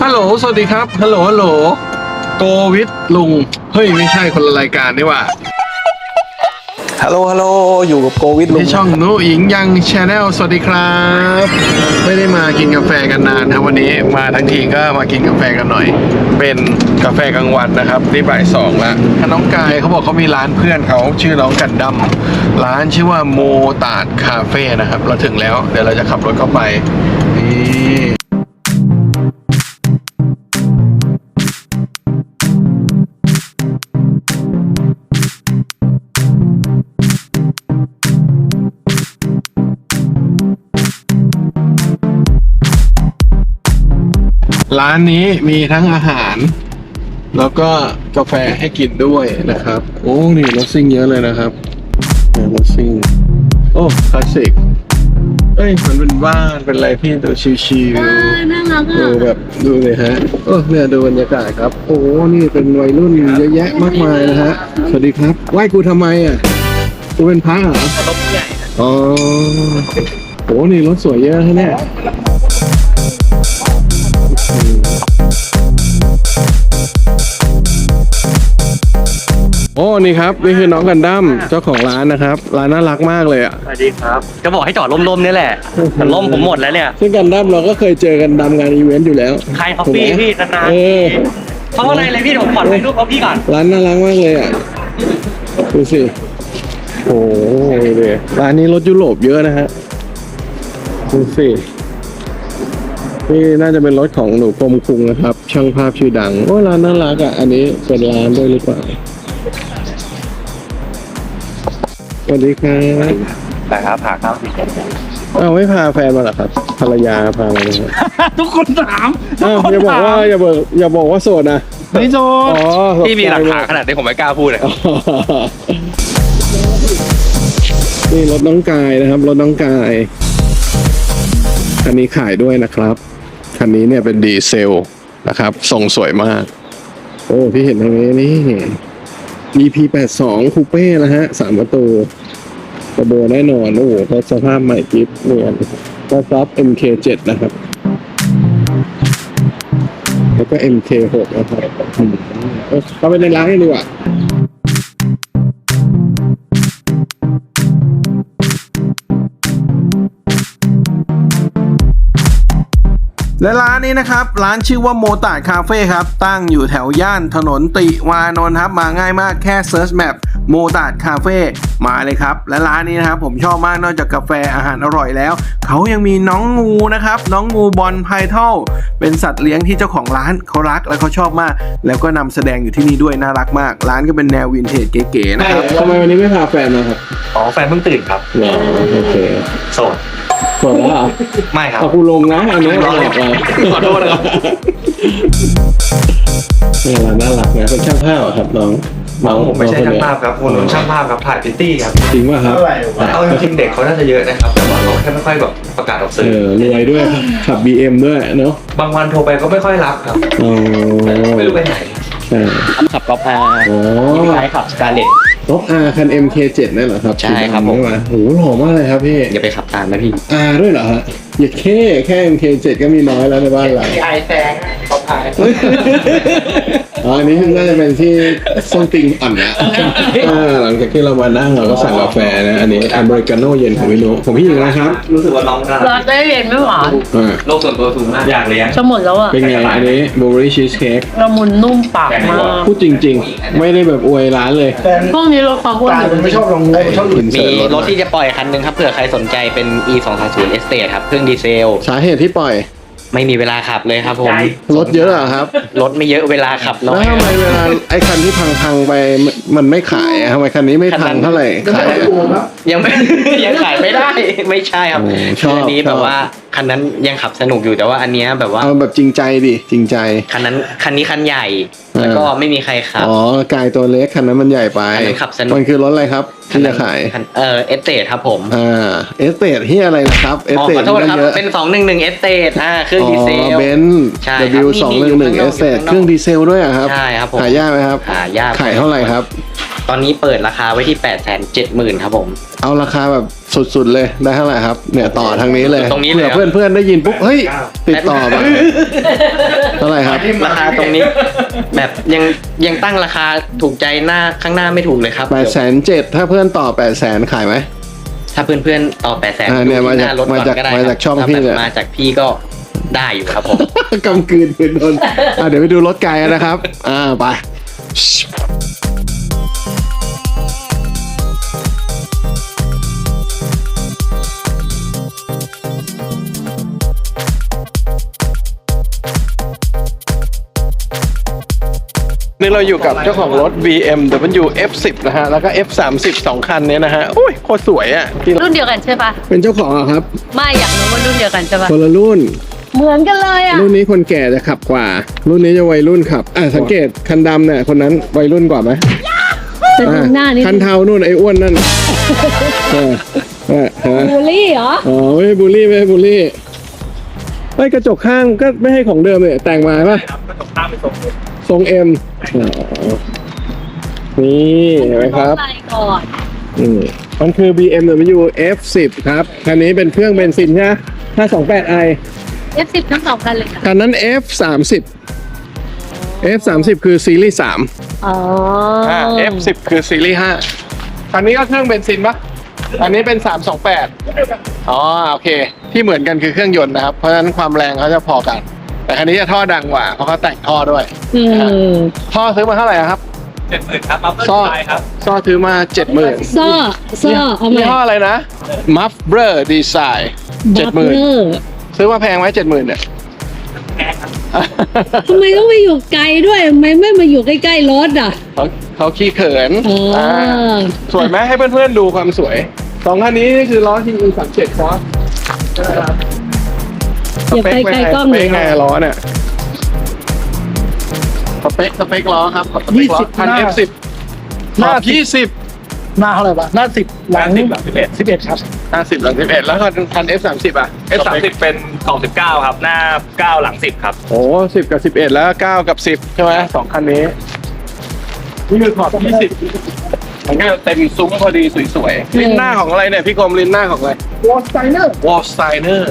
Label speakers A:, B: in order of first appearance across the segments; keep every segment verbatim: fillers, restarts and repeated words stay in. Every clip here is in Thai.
A: ฮัลโหลสวัสดีครับฮัลโหลฮัลโหลโกวิทลุงเฮ้ยไม่ใช่คนละรายการนี่ว่า
B: ฮัลโหลฮัลโหลอยู่กับโกวิทลุง
A: ที่ช่องนุหญิงยังชาแนลสวัสดีครับไม่ได้มากินกาแฟกันนานครับวันนี้มาทั้งทีก็มากินกาแฟกันหน่อยเป็นกาแฟกลางวันนะครับที่บ่ายสองแล้วน้องกายเขาบอกเขามีร้านเพื่อนเขาชื่อน้องกันดั้มร้านชื่อว่าโมตาดคาเฟ่นะครับเราถึงแล้วเดี๋ยวเราจะขับรถเข้าไปนี่ร้านนี้มีทั้งอาหารแล้วก็กาแฟให้กินด้วยนะครับโอ้นี่รถซิ่งเยอะเลยนะครับรถซิ่งโอ้คลาสสิกเอ้ยมันเป็นบ้านเป็นอะไรพี่ดูชิวๆน่ารักอ่ะดูแบบดูเลยฮะโอ้เนี่ยดูบรรยากาศครับโอ้นี่เป็นวัยรุ่นเยอะแยะมากมายนะฮะสวัสดีครับไหว้กูทำไมอ่ะกูเป็นพระเหรอรถใหญ่อ๋อโอ้นี่รถสวยเยอะฮะเนี่ยโอ้นี่ครับนี่คือน้องกันดั้มเจ้าของร้านนะครับร้านน่ารักมากเลยอ่ะ
B: สวัสดีครับจะบอกให้จอดร่มๆนี่แหละแต่ร่มผมหมดแล้วเนี่ย
A: ซึ่งกันดั้มเราก็เคยเจอกันดำงานอีเวนต์อยู่แล้ว
B: ใครคอฟฟี่พี่นานๆเขาอะไรเลยพี่ผมขอถ่ายรูปเขาพี่ก่อน
A: ร้านน่ารักมากเลยอ่ะดูสิโอ้ยเลยร้านนี้รถยุโรปเยอะนะฮะดูสินี่น่าจะเป็นรถของหนูกรมคุงนะครับช่างภาพชื่อดังโอ้ร้านน่ารักอ่ะอันนี้เป็นร้านด้วยหรือเปล่าสวัสดีครับ
B: แต่ครับผ่าข้าวสิ
A: เอาไม่พาแฟนมาหรอครับภรรยาพามาเลย
B: ทุกคนถาม
A: อ้าวอย่าบอกว่าอย่าบอกอย่าบอกว่าโสดนะ
B: ไม่โสด
A: อ๋อ
B: พี่มีหลักฐานขนาดที่ผมไม่กล้าพูดเลย
A: นี่รถน้องกายนะครับรถน้องกายคันนี้ขายด้วยนะครับคันนี้เนี่ยเป็นดีเซลนะครับทรงสวยมากโอ้พี่เห็นตรงนี้นี่ อี พี แปดสิบสองคูเป้นะฮะสามประตูกระโบแน่นอนโอ้โหรถสภาพใหม่กิ๊บเนี่ยก็ซับ เอ็ม เค เจ็ด นะครับแล้วก็ เอ็ม เค หก นะครับเข้าไปในร้านกันดีกว่าและร้านนี้นะครับร้านชื่อว่าโมตาดคาเฟ่ครับตั้งอยู่แถวย่านถนนติวานนท์ครับมาง่ายมากแค่เซิร์ชแมปโมตาดคาเฟ่มาเลยครับและร้านนี้นะครับผมชอบมากนอกจากกาแฟอาหารอร่อยแล้วเขายังมีน้องงูนะครับน้องงูบอลไพทัลเป็นสัตว์เลี้ยงที่เจ้าของร้านเขารักและเขาชอบมากแล้วก็นำแสดงอยู่ที่นี่ด้วยน่ารักมากร้านก็เป็นแนววินเทจเก๋ๆนะครับทำไมวันนี้ไม่พาแฟนมาครับ
B: อ๋อแฟนเพิ่งตื่นครับ
A: อ๋อโอเค
B: โสด
A: สวยแล้วเหรอ
B: ไม่ครับ
A: เอากูลงนะอันนี้น่ารักเลย
B: ขอโทษนะครับ
A: นี่แหละน่ารักนะเป็นช่างภาพครับน้อง
B: น้องผมไม่ใช่ช่างภาพครับคนนู้นช่างภาพครับถ่ายพิตตี้ครับ
A: จริงป่ะครับ
B: เอาจริงเด็กเขาน่าจะเยอะนะครับแต่ว่าเขาแค่ไม่ค่อยแบบประกาศออกสื่อ
A: เออรวยด้วยขับ บี เอ็ม ด้วยเนาะ
B: บางวันโทรไปก็ไม่ค่อยรับครับ
A: อ๋อ
B: ไม่รู้ไปไหน
A: ใช่
B: ขับกอล์ฟอาร์
A: อ๋อ
B: ใช่ขับสกาเลต
A: รถ R คัน เอ็ม เค เจ็ด นั่นเหรอครับ
B: ใช่ครับผม
A: โอ้โหหล่อมากเลยครับพี่
B: อย่าไปขับตามนะพี่
A: R ด้วยเหรอฮะอย่าแค่แค่ เอ็ม เค เจ็ด ก็มีน้อยแล้วในบ้านเรา
B: ไอแซงเขาพาย
A: อ๋ออันนี้น่าจะเป็นที่ส้นติงอ่อนนะหลังจากที่เรามานั่งเราก็สั่งกาแฟนะอันนี้อเมริกาโน่เย็นของพี่นุของพี่หญิงนะครับ
B: รู้สึกว่าน้องกัน
C: ลาเต้เย็นไม่หวาน
B: โลกส่วนตัวสูงมากอยากเลี้ยง
C: จะหมดแล้วอ่ะ
A: เป็นไงอันนี้บลูเบอร์รี่ชีสเค้ก
C: ละมุนนุ่มปากมาก
A: พูดจริงๆไม่ได้แบบอวยร้านเลย
C: พวกนี้รถความอ้วน
A: ไม่ชอบลงงูชอบอื่น
B: มีรถที่จะปล่อยคันนึงครับเผื่อใครสนใจเป็น อี สองสามศูนย์ Estate ครับเครื่องดีเซล
A: สาเหตุที่ปล่อย
B: ไม่มีเวลาขับเลยครับผม
A: รถเยอะเหรอครับ
B: รถไม่เยอะเวลาขับน้อย
A: แล้วทำไมเวลาไอ้คันที่พังๆไปมันไม่ขายทำไมคันนี้ไม่พังเท่าไหร่ขาย
B: ยังไม่ยังขายไม่ได้ไม่ใช่ครับคันนี้แบบว่าคันนั้นยังขับสนุกอยู่แต่ว่าอันนี้แบบว่า
A: เอาแบบจริงใจดิจริงใจ
B: คันนั้นคันนี้คันใหญ่แล้วก็ไม่มีใครขับ
A: อ๋อกายตัวเล็กคันนั้นมันใหญ่ไป
B: ขับสนุก
A: มันคือรถอะไรครับที่จะขาย
B: เออเอสเตทครับผม
A: อ่าเอสเตทที่อะไรนะครับเอสเตท
B: ขอโทษครับเป็นสองหนึ่งหนึ่งเอสเตทอ่าเครื่องดีเซล
A: เบนซ์ ดับเบิลยู สองหนึ่งหนึ่ง เอสเตทเครื่องดีเซลด้วยอ่ะครับ
B: ใช่ครับผม
A: หายากไหมครับ
B: หายาก
A: ขายเท่าไหร่ครับ
B: ตอนนี้เปิดราคาไว้ที่แปดแสนเจ็ดหมื่นครับผม
A: เอาราคาแบบสุดๆเลยได้เท่าไหร่ครับ เนี่ยต่อทางนี้เลย
B: ตรงนี้เลย
A: เผื่อเพื่อนๆได้ยินปุ๊บเฮ้ยติดต่อมาเท่าไหร่ครับ
B: ราคาตรงนี้ แบบยังยังตั้งราคาถูกใจหน้าข้างหน้าไม่ถูกเลยครับ
A: แปดแสนเจ็ดถ้าเพื่อนต่อแปดแสนขายไหม
B: ถ้าเพื่อนๆต่อแปดแสน
A: อ่าเนี่ยมาจาก
B: รถก่อนก็ได้
A: มาจากช่อง
B: ถ้า
A: พี่
B: แบบ
A: เนี่ย
B: มาจากพี่ก็ได้อยู่ครับผม
A: กำกืนคืนโดนอ่ะเดี๋ยวไปดูรถไกลกันนะครับ อ่าไป นี่เราอยู่กับเจ้าของรถ บี เอ็ม ดับเบิลยู เอฟ สิบ นะฮะ แล้วก็ เอฟ สามสิบ สองคันเนี้ยนะฮะ อุ้ยโคตรสวยอ่ะที่
C: รุ่นเดียวกันใช่ปะ
A: เป็นเจ้าของเหรอครับ
C: ไม่อยากรู้ว่ารุ่นเดียวกันใช่ปะ
A: คนละรุ่น
C: เหมือนกันเลยอ่ะ
A: รุ่นนี้คนแก่จะขับกว่า รุ่นนี้จะวัยรุ่นขับ อ่ะสังเกตคันดำเนี่ยคนนั้นวัยรุ่นกว่าไหม
C: แต่ดูหน้านี่
A: คันเทานู่นไอ้อ้วนนั่นเออเออเออ
C: บูลลี่เหรอ
A: อ๋อไม่ให้บูลลี่ไม่ให้บูลลี่ไอ้ยกระจกข้างก็ไม่ให้ของเดิมเนี่ยแต่งมาป่ะ
D: กระจกข้างเป็นทรง
A: ทรงเอ็มนี่เห็นไหมครับ
C: ไปก่อน
A: อืมมันคือ บี เอ็ม ดับเบิลยู เอฟ สิบ ครับคันนี้เป็นเครื่องเบนซินใช่ไหมห้าสองแปดไอ
C: เอฟ สิบ ทั้งสองกันเลยค่ะ
A: คันนั้น เอฟ สามสิบ เอฟ สามสิบ คือซีรีส์สาม
C: อ๋อ
A: อ่า เอฟ สิบ คือซีรีส์ห้าคันนี้ก็เครื่องเบนซินปะอันนี้เป็นสามสองแปดอ๋อโอเค ที่เหมือนกันคือเครื่องยนต์นะครับ เพราะฉะนั้นความแรงเขาจะพอกัน แต่คันนี้จะท่อดังกว่า เพราะเขาแต่งท่อด้วย
C: อืม
A: ท่อซื้อมาเท่าไหร่ครับ
D: เจ็ดหมื่นครับบัฟเฟอร์
A: ซ่อ
D: ไฟครับ
A: ซ่อซื้อมาเจ็ดหมื่น
C: ซ่อซ่อเอา
A: ยี่
C: มา
A: ห้ออะไรนะ Muffler Design เจ็ดหมื่น
C: บัฟเฟอร์
A: ซื้อมาแพงไหมเจ็ดหมื่นเนี่ย
D: แพงครับ
C: ทำไมต้องมาอยู่ไกลด้วยทำไมไม่มาอยู่ใกล้ๆรถอ่ะ
A: เขาเขาขี้เขิน
C: อ๋ออ่
A: าสวยไหมให้เพื่อนๆดูความสวยสองคันนี้นี่คือล้อทีอีสามเจ็ดคอส
C: อย่าไปไกลกล้อง
A: ส
C: เล
A: เป
C: ย
A: คไงล้อเนี่ยสเปคสเปคล้อครับสเปคล้อคัน เอฟ สิบ หน้ายี่สิบ
E: หน้าเท่าไหร่วะหน้าสิบหลัง
D: สิบหลังสิบเอ็ด
E: สิบเอ็ดครับ
A: หน้าสิบหลังสิบเอ็ดแล้วคันคัน เอฟ สามสิบ อ่ะ
D: เอฟสามสิบเป็นกล่องสิบเก้าครับ หน้าเก้าหลังสิบครับ
A: โอ้สิบกับสิบเอ็ดแล้วเก้ากับสิบใช่ไหมสองคันนี้ นี่คือขอบยี่สิบมันก็เต็มซุ้มพอดีสวยๆลิ้นหน้าของอะไรเนี่ยพี่กรมลิ้นหน้าของอะไร
E: วอลสไตเนอร์
A: วอลสไตเนอร์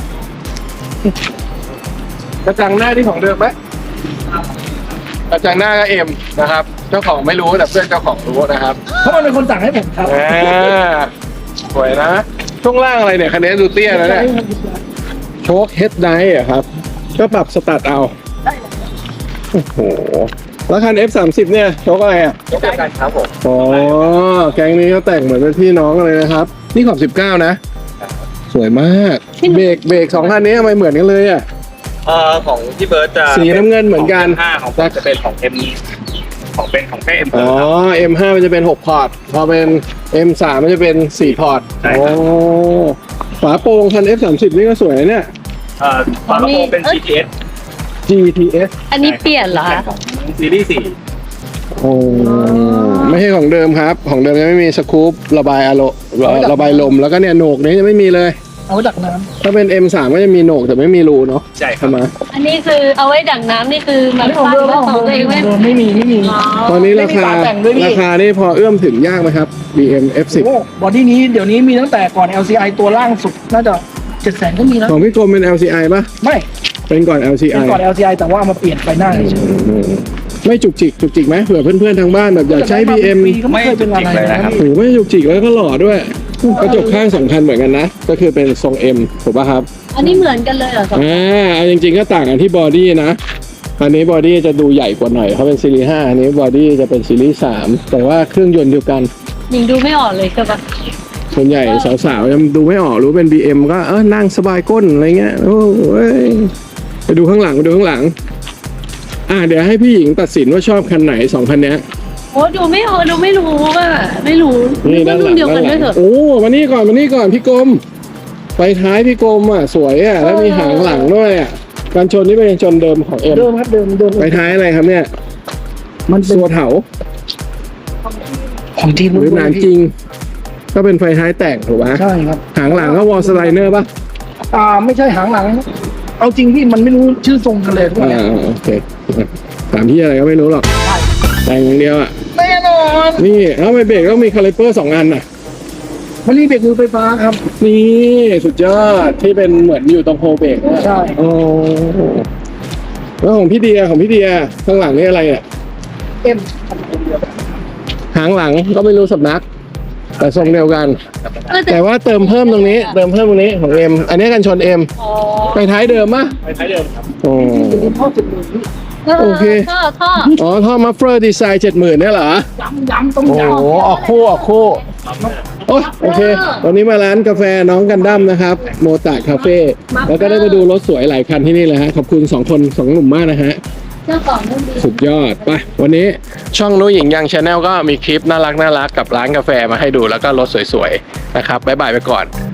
A: กระจังหน้าที่ของเดิมไหมกระจังหน้าก็เอ็มนะครับ เจ้าของไม่รู้แต่เพื่อนเจ้าของรู้นะครับ
E: เพราะมันเป็นคนสั่งให้ผมครับ
A: อ่าสวยนะ ช่วงล่างอะไรเนี่ยคันนี้ดูเตี้ยนะเนี่ยโชคเฮดไดท์อะครับ ก็ปรับสตัดเอาโอ้โหแล้วคัน เอฟ สามสิบ เนี่ยโชคอะไรอ่ะ
D: ยกเดียวกันครับผม
A: อ๋อแก๊งนี้เขาแต่งเหมือนเป็นพี่น้องกันเลยนะครับ นี่ขอบสิบเก้านะ สวยมาก เบรกเบรกสองคันนี้ทำไมเหมือนกันเลยอ่ะ
D: เอ่อของพี่เบิร์ดจะ
A: สีน้ำเงินเหมือนกัน
D: ห้าของผมจะเป็นของเอ็มของเป็นของแค่เอ็ม
A: อ๋อ เอ็ม ห้า มันจะเป็นหกพอร์ต พอเป็น เอ็ม สาม มันจะเป็นสี่พอร์ต
D: ใช่
A: โอ้
D: ครับ
A: ฝาโปร่งคัน เอฟ สามสิบ นี่ก็สวยนะเนี่ย
D: เอ่อฝากระโปรงเป็น จี ที เอส
A: จี ที เอส
C: อันนี้เปลี่ยนเหรอ
D: ของซีรีส์สี่
A: โอ้ไม่ใช่ของเดิมครับ ของเดิมยังไม่มีสกูประบายอารมณ์ระบายลม แล้วก็เนี่ยโหนกนี้ยังไม่มีเลย
E: เอาไว้ดักน้
A: ถ้าเป็น เอ็ม สาม ก็จะมีโหนกแต่ไม่มีรูเนาะ
D: ใช่ครับ
A: ใช่ไหม
C: อันนี้คือเอาไว้ดักน้ำนี่คือ
E: ำ
C: แบ
E: อัน
C: บ
E: นี้ของ
C: ปั้น
E: เดิม
C: แล้ว
E: ข
C: ข
E: อ
C: อง ง
E: เดิ
C: ตัวเอง
E: ม
C: ไหม
E: ไม่มีไม่มี
C: อ๋อ
A: ตอนนี้ราคา
E: ไม่มีฝาแต่งด้วยพี่
A: ราคานี่พอเอื้อมถึงยากไหมครับ บี เอ็ม เอฟ สิบ
E: โอ้บอดี้นี้เดี๋ยวนี้มีตั้งแต่ก่อน แอล ซี ไอ ตัวล่างสุดน่าจะเจ็ดแสนก็มีนะ
A: ของพี่กรมเป็น แอล ซี ไอ ป่ะ
E: ไม่
A: เป็นก่อน แอล ซี ไอ
E: เป็นก่อน แอล ซี ไอ แต่ว่าเอามาเปลี่ยนไฟหน้าเฉย
A: ไม่จุกจิกจุกจิกไหมเผื่อเพื่อนๆทางบ้านแบบอยากใช้ บี เอ็ม
E: ปีก็ไม่เคยเป็นอะไรนะครับ
A: โอ้โหไม่จุกจิกแล้วก็หล่อด้วยกระจกข้างสองคันเหมือนกันนะ ก็คือเป็นทรง M ถูกป่ะครับ
C: อันนี้เหมือนกันเลยเหรอสอง
A: อ่าเอาจริงๆก็ต่างกันที่บอดี้นะอันนี้บอดี้จะดูใหญ่กว่าหน่อยเขาเป็นซีรีส์ห้าอันนี้บอดี้จะเป็นซีรีส์สามแต่ว่าเครื่องยนต์เดียวกัน
C: ยิงดูไม่ออกเลยใช่ปะ
A: ส่วนใหญ่สาวๆยังดูไม่ออกรู้เป็น บี เอ็ม ก็เออนั่งสบายก้นอะไรเงี้ยโอ้ยไปดูข้างหลังไปดูข้างหลัง อ่าเดี๋ยวให้พี่หญิงตัดสินว่าชอบคันไหนสองคันเนี้ย
C: โอ้ดูไม่ออกดูไม่รู้อ่ะไม่รู้
A: นี่
C: ก็
A: ด้านห
C: รุ่
A: ลั
C: น
A: ง
C: เดียวกั
A: ด้าน นห
C: ด้
A: ลั
C: วย
A: ง
C: เถอะ
A: โอ้มานี่ก่อนมานี่ก่อนพี่กรมไฟท้ายพี่กรมอ่ะสวยอ่ะแล้วมีหางหลังด้วยอ่ะการชนนี่เป็นการชนเดิมของเอ็ม
E: เดิมครับเดิมเดิม
A: ไฟท้ายอะไรครับเนี่ย
E: มันเป็น
A: ตัวเถา
E: ของทีม
A: หรือหนานจริง ก็เป็นไฟท้ายแต่งถูกไหม
E: ใช่ครับ
A: หางหลังก็วอลสไลเนอร์ป่ะ
E: อ่าไม่ใช่หางหลัง เอาจริงพี่มันไม่รู้ชื่อทรงกันเลยทุกคน
A: อ่าโอเคถามที่อะไรก็ไม่รู้หรอกแต่งอย่างเดียวอ่ะ
E: แน่นออน
A: นี่แล้วทำไมเบรกต้องมีคาลิเปอร์สองอันน่ะ
E: มันรีเบรกมือไฟฟ้าครับ
A: นี่สุดยอดที่เป็นเหมือนอยู่ตรงโฮเบรกนะ
E: ใช่
A: โอ้แล้วของพี่เดียของพี่เดียข้างหลังนี่อะไรอ่ะ
E: เอ็ม
A: หางหลังก็ไม่รู้สำนัก แต่ทรงเดียวกัน
C: เออแต่
A: แต่ว่าเติมเพิ่มตรงนี้ เติมเพิ่มตรงนี้ของเอ็มอันนี้กันชนเอ็ม
C: อ๋อ
A: ไปท้ายเดิมมะ
D: ไปท้ายเดิมครับ
A: โอ้
E: ท่อเจ็ดหมื่น
A: โอเค
C: ท่อท่อ
A: อ๋อท่อมัฟเฟอร์ดีไซน์เจ็ดหมื่นเนี่ยเหรอ
E: ย้ำย้ำต้อง
A: โอ้
E: ย้
A: โหออกคู่ออกคู่โอ้ยโอเค วันนี้มาร้านกาแฟน้องกันดั้มนะครับ โมตะคาเฟ่แล้วก็ได้มาดูรถสวยหลายคันที่นี่เลยฮะ ขอบคุณสองคนสองหนุ่มมากนะฮะ
C: เจ้าของนุ่มดี
A: สุดยอด ไป วันนี้ช่องนุ้ยหญิงยังชาแนลก็มีคลิปน่ารักน่ารักกับร้านกาแฟมาให้ดูแล้วก็รถสวยๆนะครับบ๊ายบายไปก่อน